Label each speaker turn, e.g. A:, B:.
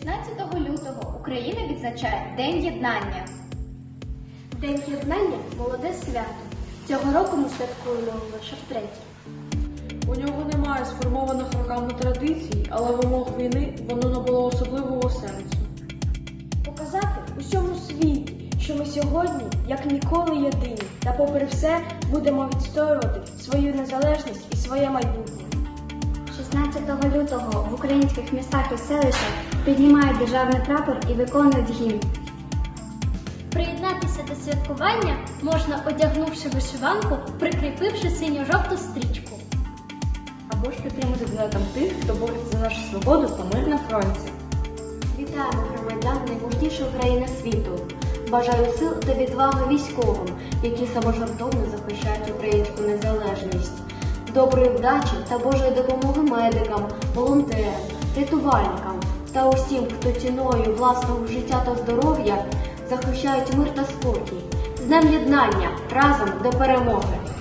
A: 16 лютого Україна відзначає День єднання.
B: День єднання – молоде свято. Цього року ми святкуємо лише втретє.
C: У нього немає сформованих роками традицій, але в умовах війни воно набуло особливого сенсу.
B: Показати усьому світі, що ми сьогодні, як ніколи, єдині, та попри все будемо відстоювати свою незалежність і своє майбутнє.
D: 16 лютого в українських містах і селищах піднімають державний прапор і виконують гімн.
E: Приєднатися до святкування можна, одягнувши вишиванку, прикріпивши синьо-жовту стрічку.
C: Або ж підтримати донатом тих, хто бореться за нашу свободу та мир на фронті.
F: Вітаємо громадян найможливішої країни світу. Бажаю сил та відваги військовим, які саможертовно захищають українську незалежність. Доброї вдачі та Божої допомоги медикам, волонтерам, рятувальникам та усім, хто ціною власного життя та здоров'я захищають мир та спокій. З Днем єднання! Разом до перемоги!